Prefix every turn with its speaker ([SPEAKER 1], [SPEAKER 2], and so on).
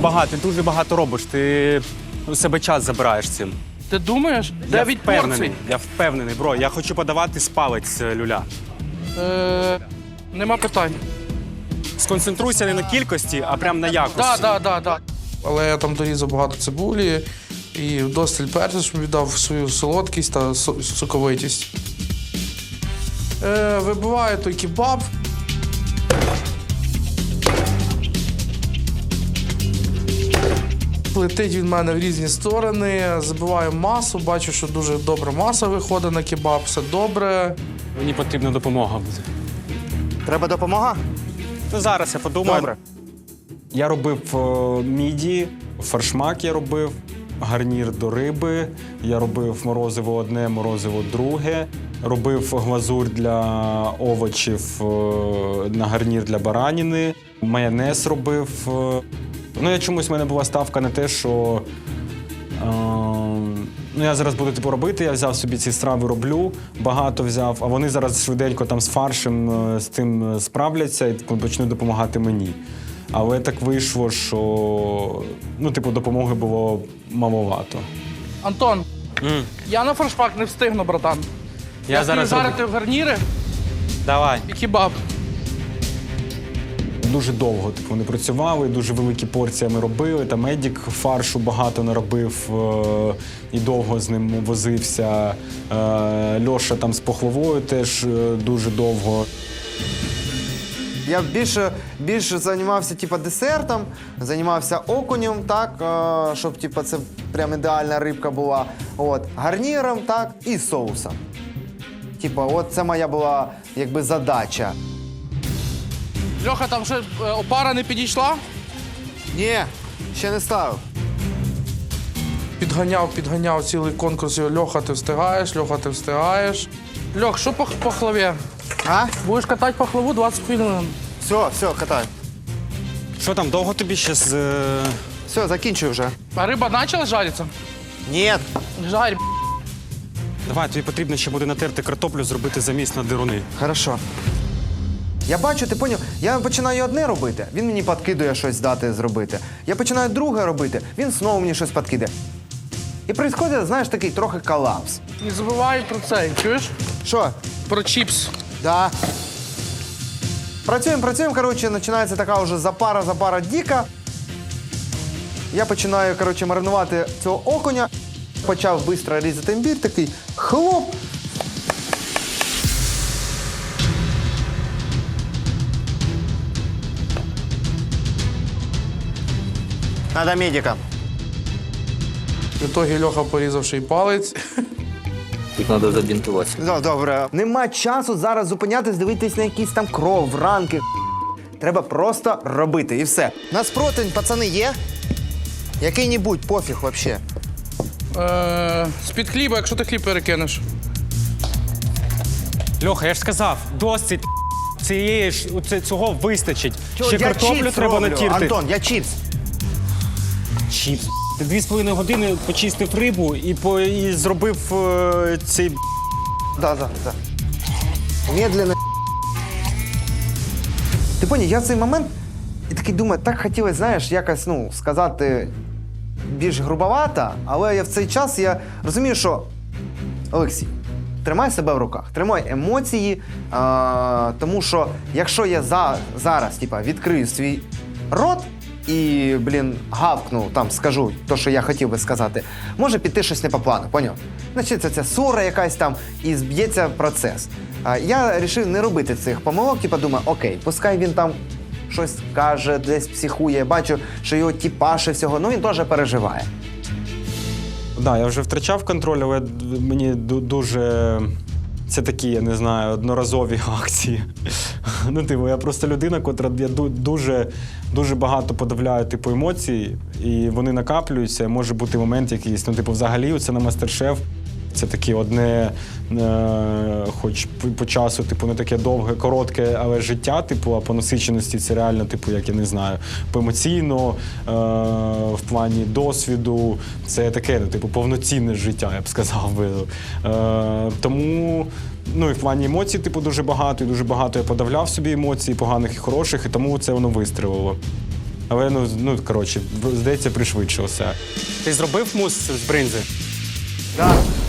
[SPEAKER 1] забагато, ти дуже багато робиш. Ти у себе час забираєш цим.
[SPEAKER 2] Ти думаєш? 9 порцій?
[SPEAKER 1] Я впевнений, бро. Я хочу подавати з палець люля.
[SPEAKER 2] Нема питань.
[SPEAKER 1] Сконцентруйся не на кількості, а прям на якості.
[SPEAKER 2] Да.
[SPEAKER 3] Але я там дорізав багато цибулі і вдосталь перцю, щоб віддав свою солодкість та соковитість. Вибиваю той кебаб. Летить він в мене в різні сторони, забиваю масу, бачу, що дуже добра маса виходить на кебаб, все добре.
[SPEAKER 1] Мені потрібна допомога буде.
[SPEAKER 4] Треба допомога?
[SPEAKER 1] Ну, зараз я подумаю.
[SPEAKER 4] Добре.
[SPEAKER 1] Я робив міді, фаршмак я робив, гарнір до риби, я робив морозиво одне, морозиво друге, робив глазурь для овочів на гарнір для бараніни, майонез робив. Ну, я чомусь, в мене була ставка на те, що я зараз буду типу робити, я взяв собі ці страви, роблю, багато взяв, а вони зараз швиденько там з фаршем з тим справляться і почнуть допомагати мені. Але так вийшло, що допомоги було маловато.
[SPEAKER 2] Антон, я на фаршпак не встигну, братан. Я
[SPEAKER 1] зараз
[SPEAKER 2] жарити в гарніри
[SPEAKER 1] Давай.
[SPEAKER 2] і кебаб.
[SPEAKER 1] Дуже довго вони працювали, дуже великі порції ми робили. Там Едік фаршу багато наробив і довго з ним возився. Льоша там з пахлавою теж дуже довго.
[SPEAKER 4] Я більше займався десертом, займався окунем, так, щоб це прям ідеальна рибка була. Гарніром, так, і соусом. Це моя була задача.
[SPEAKER 2] Льоха, там ще опара не підійшла?
[SPEAKER 4] Ні, ще не ставив.
[SPEAKER 3] Підганяв цілий конкурс. Льоха, ти встигаєш, Льоха, ти встигаєш.
[SPEAKER 2] Льох, що по пахлаві?
[SPEAKER 4] А?
[SPEAKER 2] Будеш катати пахлаву 20 хвилин.
[SPEAKER 4] Все, катай.
[SPEAKER 1] Що там, довго тобі ще з...
[SPEAKER 4] Все, закінчую вже.
[SPEAKER 2] А риба почала жаритися?
[SPEAKER 4] Ні.
[SPEAKER 2] Жарь.
[SPEAKER 1] Давай, тобі потрібно ще буде натерти картоплю, зробити заміс на дируни.
[SPEAKER 4] Хорошо. Я бачу, ти поняв, я починаю одне робити, він мені підкидує щось дати зробити. Я починаю друге робити, він знову мені щось підкидає. І відбувається, знаєш, такий трохи колапс.
[SPEAKER 2] Не забувай про це, чуєш?
[SPEAKER 4] Що?
[SPEAKER 2] Про чіпс.
[SPEAKER 4] Да. Працюємо, коротше, починається така вже запара діка. Я починаю, маринувати цього окуня. Почав швидко різати імбір, такий хлоп. Надо медика.
[SPEAKER 3] В ітогі Льоха порізав ще й палець.
[SPEAKER 5] Їх треба забінтувати.
[SPEAKER 4] Добре. Нема часу зараз зупинятись, дивитись на якісь там кров, ранки. Треба просто робити і все. У нас противень, пацани, є? Який-небудь, пофіг взагалі.
[SPEAKER 2] З-під хліба, якщо ти хліб перекинеш.
[SPEAKER 1] Льоха, я ж сказав, досить цього вистачить. Ще
[SPEAKER 4] Я
[SPEAKER 1] картоплю
[SPEAKER 4] чіпс
[SPEAKER 1] треба
[SPEAKER 4] роблю,
[SPEAKER 1] натірти.
[SPEAKER 4] Антон, я чіпс.
[SPEAKER 1] Чіпс. Ти 2,5 години почистив рибу і зробив цей...
[SPEAKER 4] Да. Медленно. Ти поняв, я в цей момент і такий думаю, так хотілося, знаєш, якось, сказати більш грубовато, але я в цей час розумію, що Олексій, тримай себе в руках, тримай емоції, тому що якщо я зараз відкрию свій рот і, гавкну, скажу те, що я хотів би сказати, може піти щось не по плану, поняв? Значить, це ссора якась там і зб'ється процес. Я вирішив не робити цих помилок, думаю, окей, пускай він там щось каже, десь психує, бачу, що його тіпаше всього, він теж переживає.
[SPEAKER 1] Так, я вже втрачав контроль, але мені дуже... Це такі, я не знаю, одноразові акції. Я просто людина, котра я дуже багато подавляю емоцій, і вони накаплюються. Може бути момент якийсь, взагалі, це на мастер-шеф. Це таке одне, хоч по часу, не таке довге, коротке, але життя, а по насиченості це реально, як я не знаю, емоційно, в плані досвіду, це таке, повноцінне життя, я б сказав би. Тому, і в плані емоцій, дуже багато, і дуже багато я подавляв собі емоцій, поганих і хороших, і тому це воно вистрілило. Але коротше, здається, пришвидшився. Ти зробив мус з бринзи?
[SPEAKER 4] Да.